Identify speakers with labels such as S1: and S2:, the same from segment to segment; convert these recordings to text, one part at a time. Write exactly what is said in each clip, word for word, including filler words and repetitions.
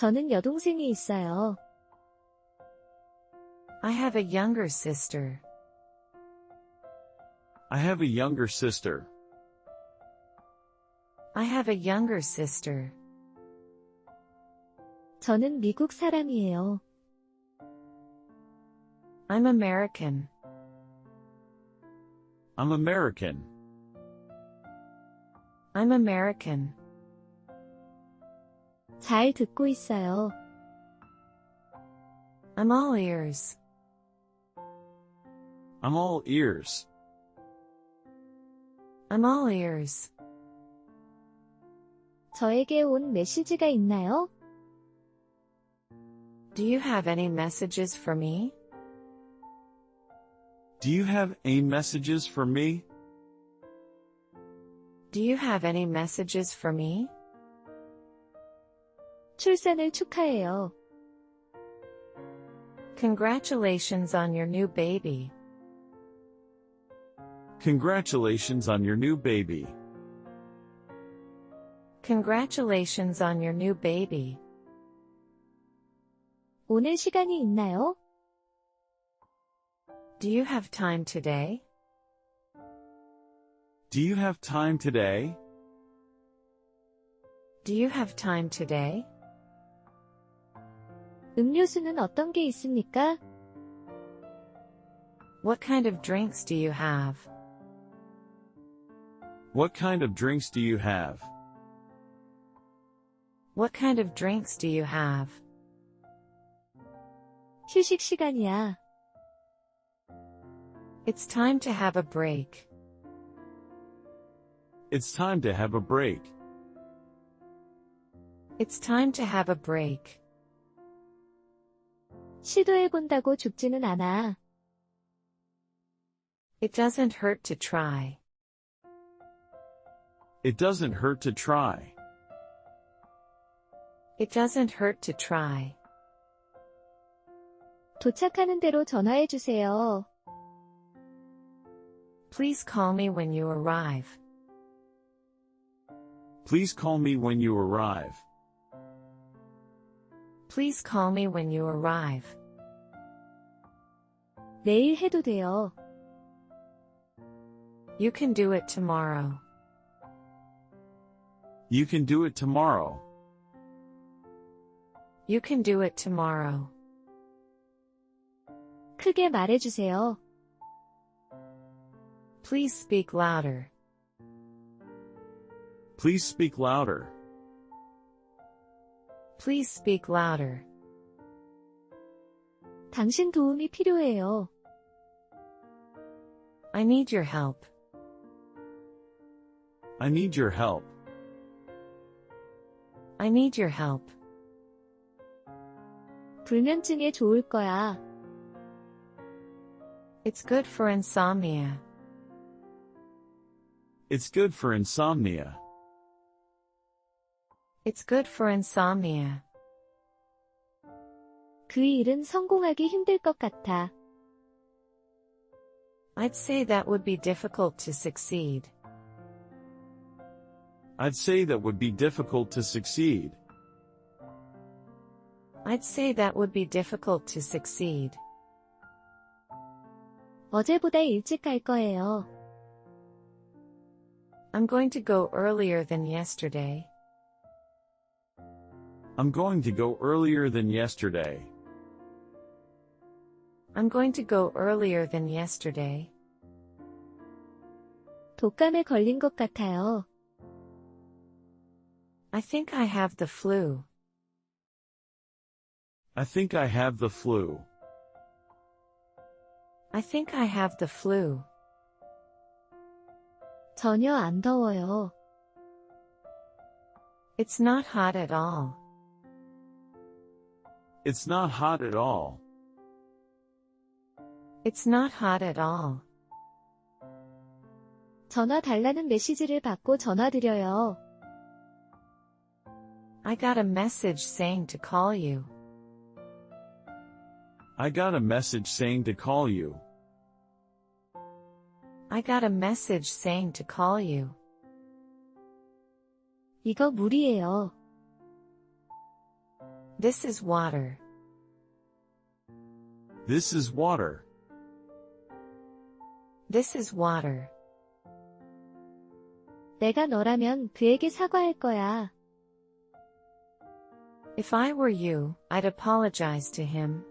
S1: 저는 여동생이 있어요.
S2: I have a younger sister.
S3: I have a younger sister.
S2: I have a younger sister.
S1: 저는 미국 사람이에요.
S2: I'm American.
S3: I'm American.
S2: I'm American.
S1: 잘 듣고 있어요.
S2: I'm all ears.
S3: I'm all ears.
S2: I'm all ears.
S1: 저에게 온 메시지가 있나요?
S2: Do you have any messages for me?
S3: Do you have any messages for me?
S2: Do you have any messages for me?
S1: 출산을 축하해요.
S2: Congratulations on your new baby.
S3: Congratulations on your new baby.
S2: Congratulations on your new baby.
S1: 오늘 시간이 있나요?
S2: Do you have time today?
S3: Do you have time today?
S2: Do you have time today?
S1: 음료수는 어떤 게 있습니까?
S2: What kind of drinks do you have?
S3: What kind of drinks do you have?
S2: What kind of drinks do you have?
S1: 휴식 시간이야.
S2: It's time to have a break.
S3: It's time to have a break.
S2: It's time to have a break.
S1: 시도해본다고 죽지는 않아.
S2: It doesn't hurt to try.
S3: It doesn't hurt to try.
S2: It doesn't hurt to try.
S1: 도착하는 대로 전화해주세요.
S2: Please call me when you arrive.
S3: Please call me when you arrive.
S2: Please call me when you arrive.
S1: 내일 해도 돼요.
S2: You can do it tomorrow.
S3: You can do it tomorrow.
S2: You can do it tomorrow.
S1: 크게 말해주세요.
S2: Please speak louder.
S3: Please speak louder.
S2: Please speak louder.
S1: 당신 도움이 필요해요.
S2: I need your help.
S3: I need your help.
S2: I need your help.
S1: 불면증에 좋을 거야.
S2: It's good for insomnia.
S3: It's good for insomnia.
S2: It's good for insomnia.
S1: 그 일은 성공하기 힘들 것 같아.
S2: I'd say that would be difficult to succeed.
S3: I'd say that would be difficult to succeed.
S2: I'd say that would be difficult to succeed.
S1: 어제보다 일찍 갈 거예요.
S2: I'm going to go earlier than yesterday.
S3: I'm going to go earlier than yesterday.
S2: I'm going to go earlier than yesterday.
S1: 독감에 걸린 것 같아요.
S2: I think I have the flu.
S3: I think I have the flu.
S2: I think I have the flu.
S1: 전혀 안 더워요.
S2: It's not hot at all.
S3: It's not hot at all.
S2: It's not hot at all.
S1: 전화 달라는 메시지를 받고 전화드려요.
S2: I got a message saying to call you.
S3: I got a message saying to call you.
S2: I got a message saying to call you.
S1: 이거 무리예요.
S2: This is water.
S3: This is water.
S2: This is water.
S1: 내가 너라면 그에게 사과할 거야.
S2: If I were you, I'd apologize to him.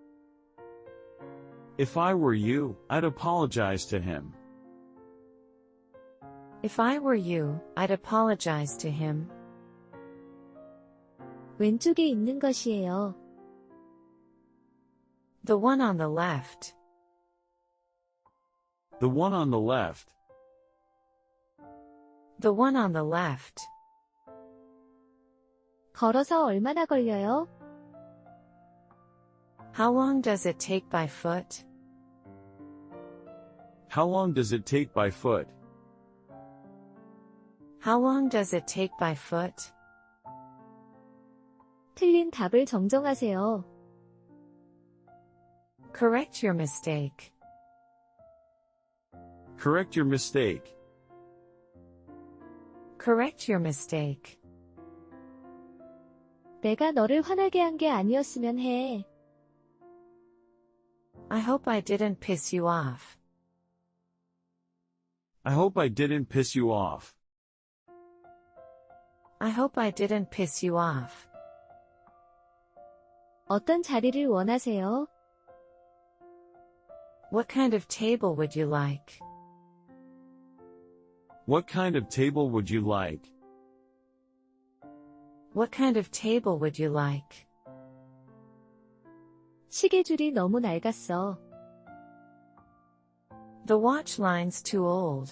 S3: If I were you, I'd apologize to him.
S2: If I were you, I'd apologize to him.
S1: 왼쪽에 있는 것이에요.
S2: The one on the left.
S3: The one on the left.
S2: The one on the left.
S1: 걸어서 얼마나 걸려요?
S2: How long does it take by foot?
S3: How long does it take by foot?
S2: How long does it take by foot?
S1: 틀린 답을 정정하세요.
S2: Correct your mistake.
S3: Correct your mistake.
S2: Correct your mistake.
S1: 내가 너를 화나게 한 게 아니었으면 해.
S2: I hope I didn't piss you off.
S3: I hope I didn't piss you off.
S2: I hope I didn't piss you off.
S1: 어떤 자리를 원하세요?
S2: What kind of table would you like?
S3: What kind of table would you like?
S2: What kind of table would you like?
S1: 시계줄이 너무 낡았어.
S2: The watch line's too old.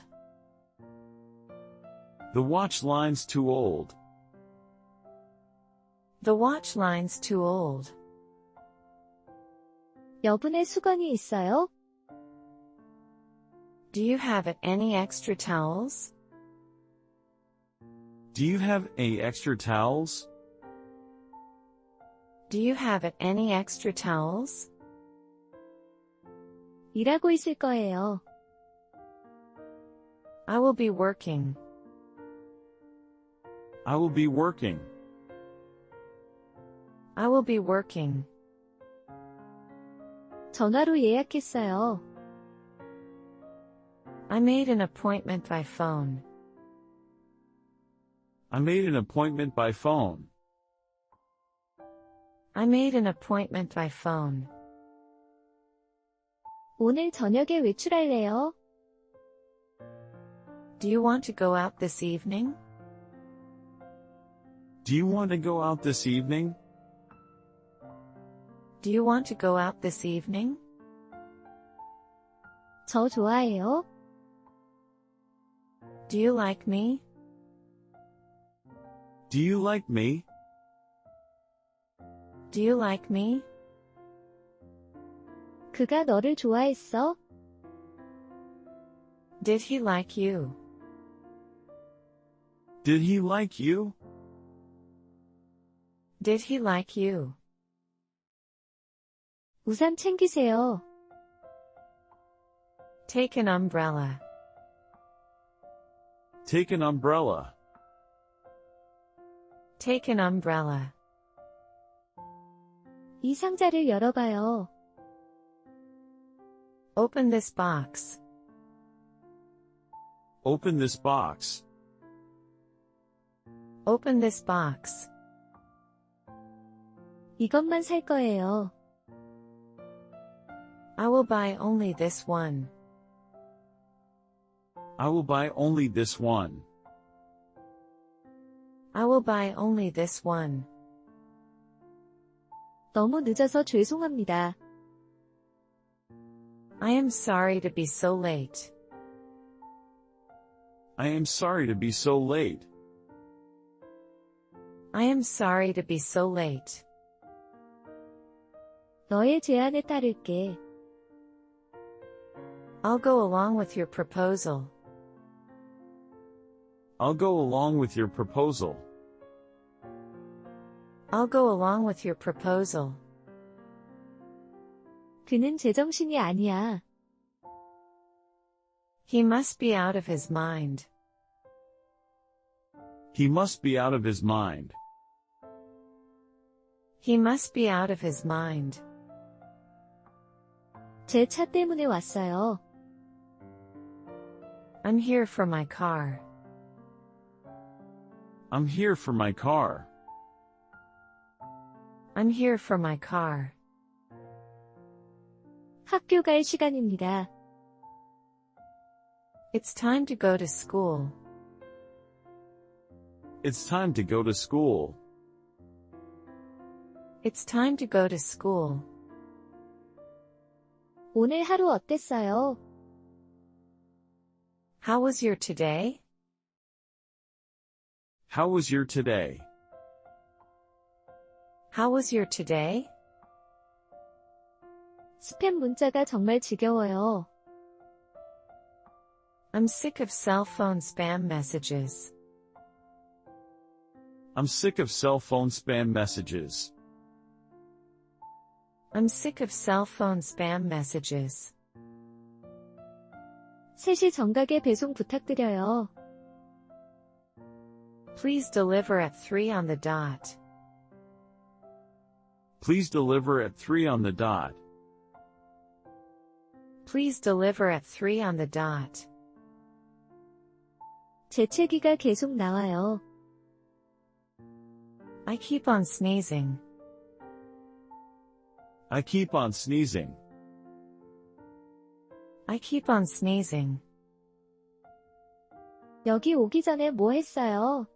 S3: The watch line's too old.
S2: The watch line's too old.
S1: 여분의 수건이 있어요?
S2: Do you have any extra towels?
S3: Do you have any extra towels?
S2: Do you have any extra towels?
S1: 일하고 있을 거예요.
S2: I will be working.
S3: I will be working.
S2: I will be working.
S1: 전화로 예약했어요.
S2: I made an appointment by phone.
S3: I made an appointment by phone.
S2: I made an appointment by phone.
S1: 오늘 저녁에 외출할래요?
S2: Do you want to go out this evening?
S3: Do you want to go out this evening?
S2: Do you want to go out this evening?
S1: 저 좋아해요?
S2: Do you like me?
S3: Do you like me?
S2: Do you like me?
S1: 그가 너를 좋아했어?
S2: Did he like you?
S3: Did he like you?
S2: Did he like you?
S1: 우산 챙기세요.
S2: Take an umbrella.
S3: Take an umbrella.
S2: Take an umbrella.
S1: 이 상자를 열어봐요.
S2: Open this box.
S3: Open this box.
S2: Open this box.
S1: 이것만 살 거예요.
S2: I will buy only this one.
S3: I will buy only this one.
S2: I will buy only this one.
S1: 너무 늦어서 죄송합니다.
S2: I am sorry to be so late.
S3: I am sorry to be so late.
S2: I am sorry to be so late.
S1: 너의 제안에 따를게.
S2: I'll go along with your proposal.
S3: I'll go along with your proposal.
S2: I'll go along with your proposal.
S1: 그는 제정신이 아니야.
S2: He must be out of his mind.
S3: He must be out of his mind.
S2: He must be out of his mind.
S1: 제 차 때문에 왔어요.
S2: I'm here for my car.
S3: I'm here for my car.
S2: I'm here for my car.
S1: 학교 갈 시간입니다.
S2: It's time to go to school.
S3: It's time to go to school.
S2: It's time to go to school.
S1: 오늘 하루 어땠어요?
S2: How was your today?
S3: How was your today?
S2: How was your today?
S1: 스팸 문자가 정말 지겨워요.
S2: I'm sick of cell phone spam messages.
S3: I'm sick of cell phone spam messages.
S2: I'm sick of cell phone spam messages.
S1: 세 시 정각에 배송 부탁드려요.
S2: Please deliver at three on the dot.
S3: Please deliver at three on the dot.
S2: Please deliver at three on the dot.
S1: 재채기가 계속 나와요.
S2: I keep on sneezing.
S3: I keep on sneezing.
S2: I keep on sneezing.
S1: 여기 오기 전에 뭐 했어요?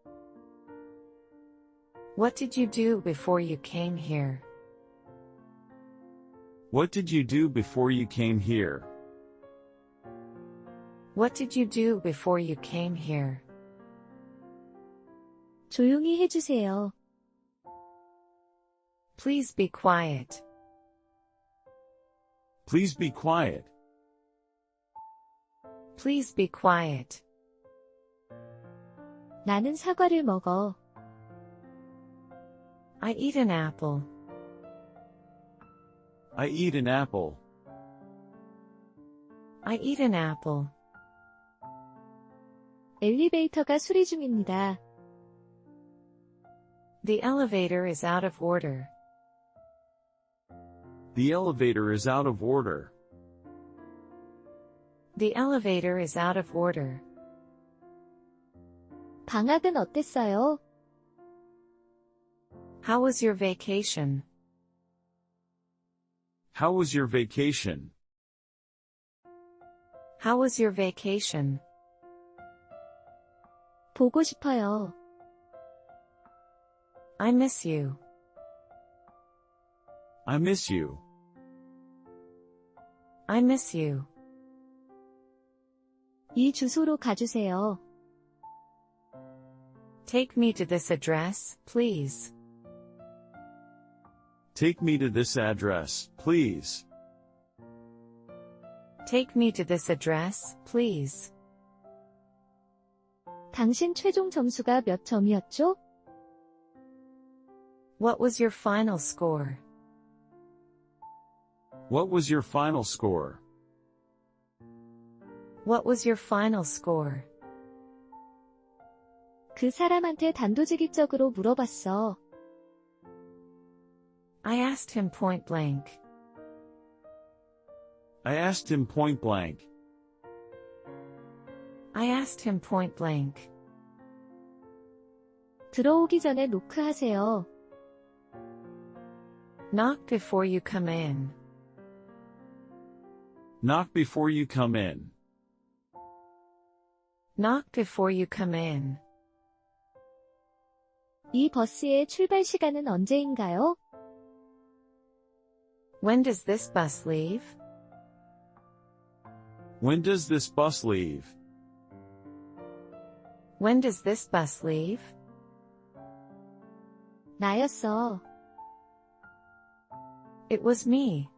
S2: What did you do before you came here?
S3: What did you do before you came here?
S2: What did you do before you came here?
S1: 조용히 해주세요.
S2: Please be quiet.
S3: Please be quiet.
S2: Please be quiet.
S1: 나는 사과를 먹어.
S2: I eat an apple.
S3: I eat an apple.
S2: I eat an apple.
S1: 엘리베이터가 수리 중입니다.
S2: The elevator is out of order.
S3: The elevator is out of order.
S2: The elevator is out of order.
S1: 방학은 어땠어요?
S2: How was your vacation?
S3: How was your vacation?
S2: How was your vacation?
S1: 보고 싶어요.
S2: I miss you.
S3: I miss you.
S2: I miss you.
S1: 이 주소로 가주세요.
S2: Take me to this address, please.
S3: Take me to this address, please.
S2: Take me to this address, please.
S1: 당신 최종 점수가 몇 점이었죠?
S2: What was your final score?
S3: What was your final score?
S2: What was your final score?
S1: 그 사람한테 단도직입적으로 물어봤어.
S2: I asked him point blank.
S3: I asked him point blank.
S2: I asked him point blank.
S1: 들어오기 전에 노크하세요.
S2: Knock before you come in.
S3: Knock before you come in.
S2: Knock before you come in.
S1: 이 버스의 출발 시간은 언제인가요?
S2: When does this bus leave?
S3: When does this bus leave?
S2: When does this bus leave?
S1: 나였어.
S2: It was me.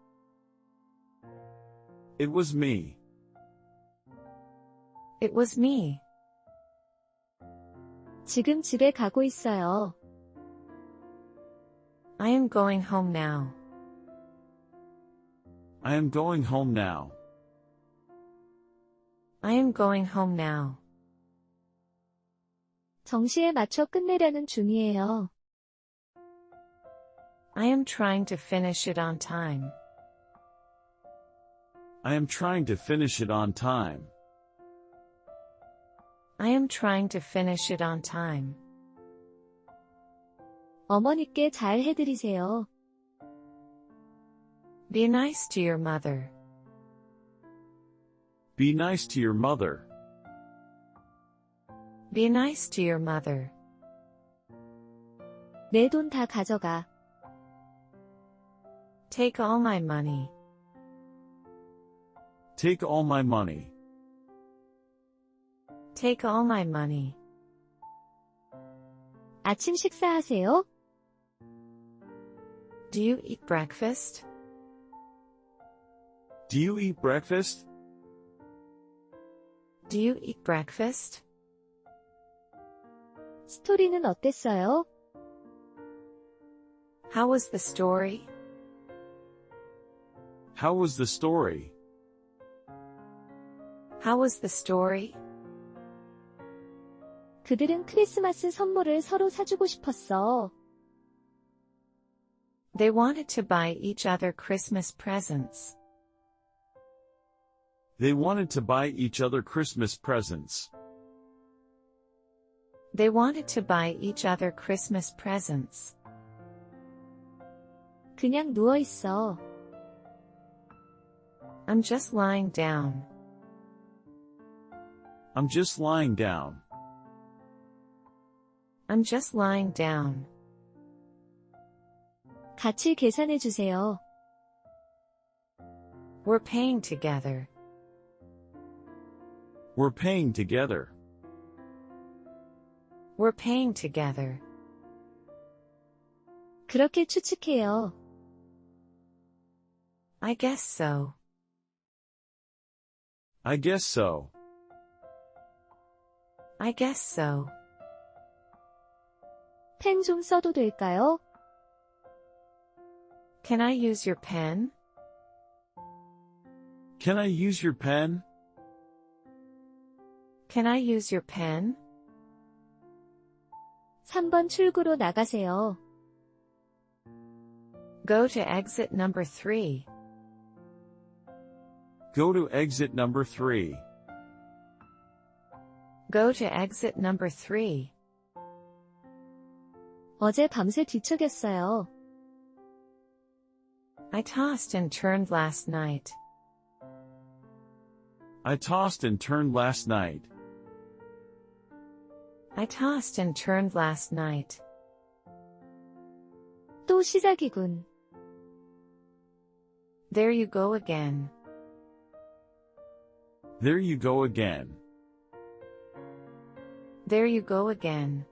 S3: It was me.
S2: It was me.
S1: 지금 집에 가고 있어요.
S2: I am going home now.
S3: I am going home now.
S2: I am going home now.
S1: 정시에 맞춰 끝내려는 중이에요.
S2: I am trying to finish it on time.
S3: I am trying to finish it on time.
S2: I am trying to finish it on time.
S1: 어머니께 잘 해드리세요.
S2: Be nice to your mother.
S3: Be nice to your mother.
S2: Be nice to your mother.
S1: 내 돈 다 가져가.
S2: Take all my money.
S3: Take all my money.
S2: Take all my money.
S1: 아침 식사하세요?
S2: Do you eat breakfast?
S3: Do you eat breakfast?
S2: Do you eat breakfast?
S1: 스토리는 어땠어요?
S2: How was the story?
S3: How was the story?
S2: How was the story?
S1: 그들은 크리스마스 선물을 서로 사주고 싶었어.
S2: They wanted to buy each other Christmas presents.
S3: They wanted to buy each other Christmas presents.
S2: They wanted to buy each other Christmas presents.
S1: 그냥 누워 있어.
S2: I'm just lying down.
S3: I'm just lying down.
S2: I'm just lying down.
S1: 같이 계산해 주세요.
S2: We're paying together.
S3: We're paying together.
S2: We're paying together.
S1: 그렇게 추측해요.
S2: I guess so.
S3: I guess so.
S2: I guess so.
S1: 펜 좀 써도 될까요?
S2: Can I use your pen?
S3: Can I use your pen?
S2: Can I use your pen?
S1: 삼 번 출구로 나가세요.
S2: Go to exit number three.
S3: Go to exit number three.
S2: Go to exit number three.
S1: 어제 밤새 뒤척였어요.
S2: I tossed and turned last night.
S3: I tossed and turned last night.
S2: I tossed and turned last night.
S1: 또 시작이군.
S2: There you go again.
S3: There you go again.
S2: There you go again.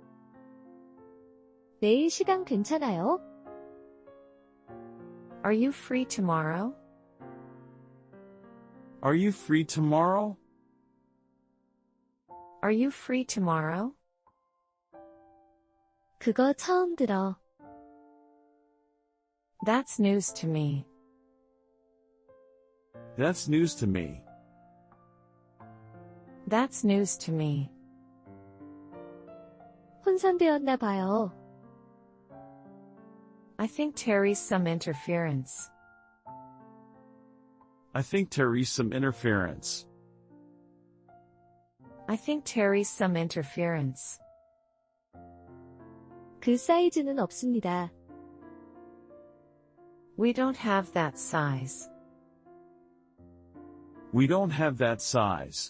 S1: 내일 시간 괜찮아요?
S2: Are you free tomorrow?
S3: Are you free tomorrow?
S2: Are you free tomorrow?
S1: 그거 처음 들어.
S2: That's news to me.
S3: That's news to me.
S2: That's news to me.
S1: 혼선되었나 봐요.
S2: I think Terry's some interference.
S3: I think Terry's some interference.
S2: I think Terry's some interference.
S1: 그 사이즈는 없습니다.
S2: We don't have that size.
S3: We don't have that size.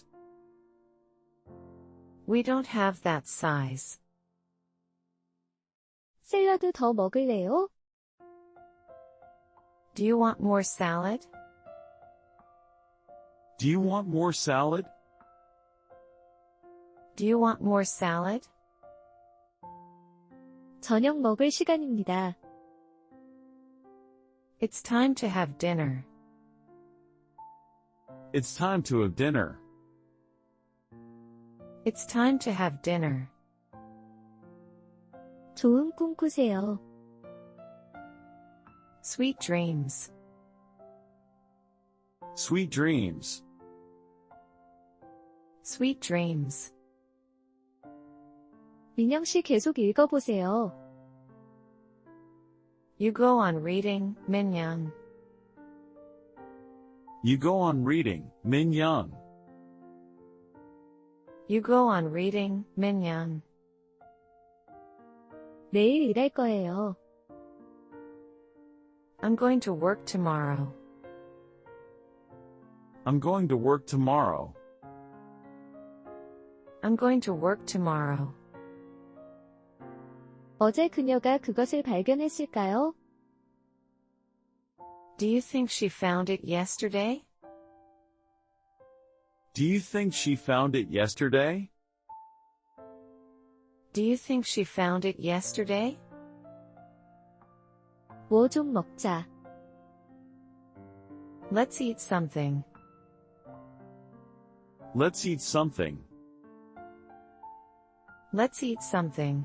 S2: We don't have that size.
S1: 샐러드 더 먹을래요?
S2: Do you want more salad?
S3: Do you want more salad?
S2: Do you want more salad?
S1: 저녁 먹을 시간입니다.
S2: It's time to have dinner.
S3: It's time to have dinner.
S2: It's time to have dinner.
S1: 좋은 꿈 꾸세요.
S2: Sweet dreams.
S3: Sweet dreams.
S2: Sweet dreams.
S1: 민영 씨 계속 읽어보세요.
S2: You go on reading, Min-young.
S3: You go on reading, Min-young.
S2: You go on reading, Min-young.
S1: 내일 일할 거예요.
S2: I'm going to work tomorrow.
S3: I'm going to work tomorrow.
S2: I'm going to work tomorrow.
S1: 어제 그녀가 그것을 발견했을까요?
S2: Do you think she found it yesterday?
S3: Do you think she found it yesterday?
S2: Do you think she found it yesterday?
S1: 뭐 좀 먹자.
S2: Let's eat something.
S3: Let's eat something.
S2: Let's eat something.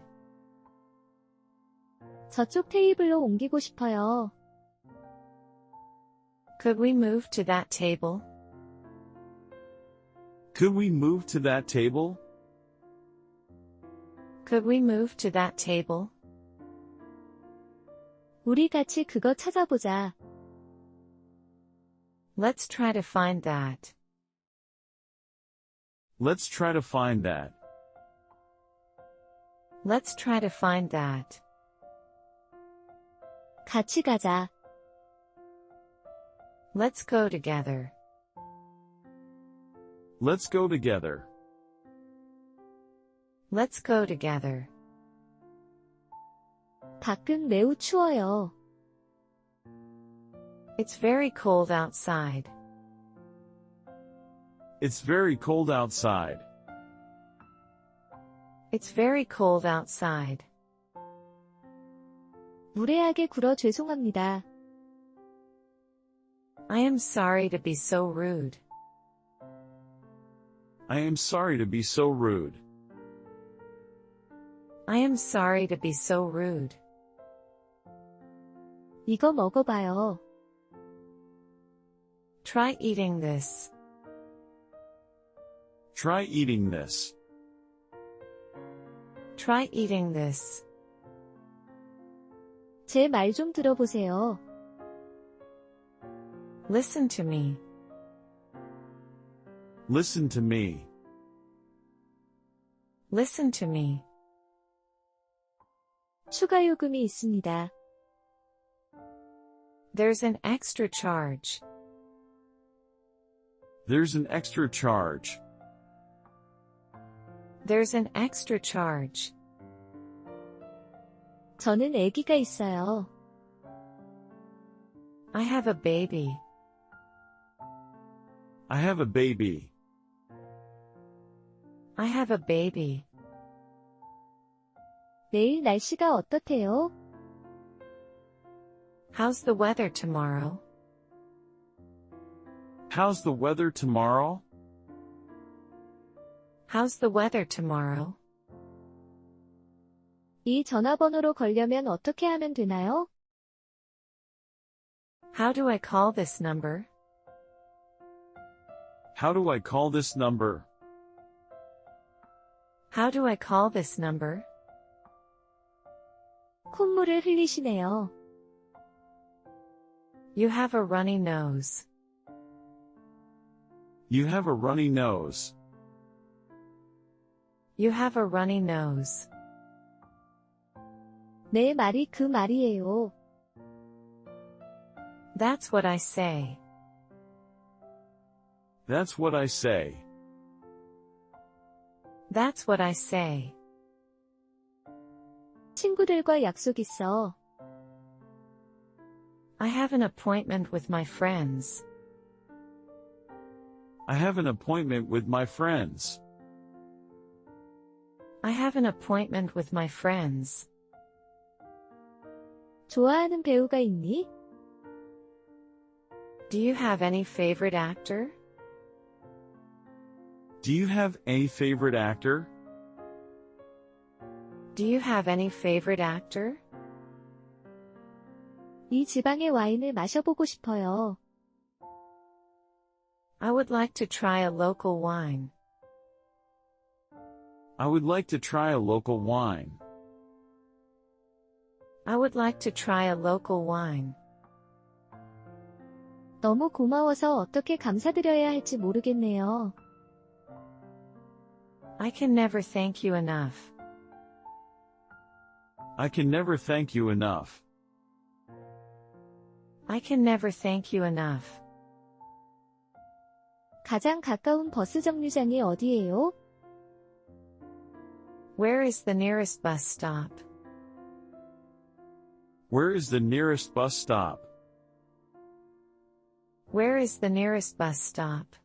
S1: 저쪽 테이블로 옮기고 싶어요.
S2: Could we move to that table?
S3: Could we move to that table?
S2: Could we move to that table?
S1: 우리 같이 그거 찾아보자.
S2: Let's try to find that.
S3: Let's try to find that.
S2: Let's try to find that.
S1: 같이 가자.
S2: Let's go together.
S3: Let's go together.
S2: Let's go together.
S1: 밖은 매우 추워요.
S2: It's very cold outside.
S3: It's very cold outside.
S2: It's very cold outside.
S1: 무례하게 굴어 죄송합니다.
S2: I am sorry to be so rude.
S3: I am sorry to be so rude.
S2: I am sorry to be so rude.
S1: 이거 먹어봐요.
S2: Try eating this.
S3: Try eating this.
S2: Try eating this.
S1: 제 말 좀 들어보세요.
S2: Listen to me.
S3: Listen to me.
S2: Listen to me.
S1: 추가 요금이 있습니다.
S2: There's an extra charge.
S3: There's an extra charge.
S2: There's an extra charge.
S1: 저는 아기가 있어요.
S2: I have a baby.
S3: I have a baby.
S2: I have a baby.
S1: 내일 날씨가 어떻대요?
S2: How's the weather tomorrow?
S3: How's the weather tomorrow?
S2: How's the weather tomorrow?
S1: 이 전화번호로 걸려면 어떻게 하면 되나요?
S2: How do I call this number?
S3: How do I call this number?
S2: How do I call this number?
S1: 콧물을 흘리시네요.
S2: You have a runny nose.
S3: You have a runny nose.
S2: You have a runny nose.
S1: 내 말이 그 말이에요.
S2: That's what I say.
S3: That's what I say.
S2: That's what I say.
S1: 친구들과 약속 있어.
S2: I have an appointment with my friends.
S3: I have an appointment with my friends.
S2: I have an appointment with my friends.
S1: 좋아하는 배우가 있니?
S2: Do you have any favorite actor?
S3: Do you have a favorite actor?
S2: Do you have any favorite actor?
S1: 이 지방의 와인을 마셔보고 싶어요.
S2: I would like to try a local wine.
S3: I would like to try a local wine.
S2: I would like to try a local wine.
S1: 너무 고마워서 어떻게 감사드려야 할지 모르겠네요.
S2: I can never thank you enough.
S3: I can never thank you enough.
S2: I can never thank you enough.
S1: 가장 가까운 버스 정류장이 어디예요?
S2: Where is the nearest bus stop?
S3: Where is the nearest bus stop?
S2: Where is the nearest bus stop?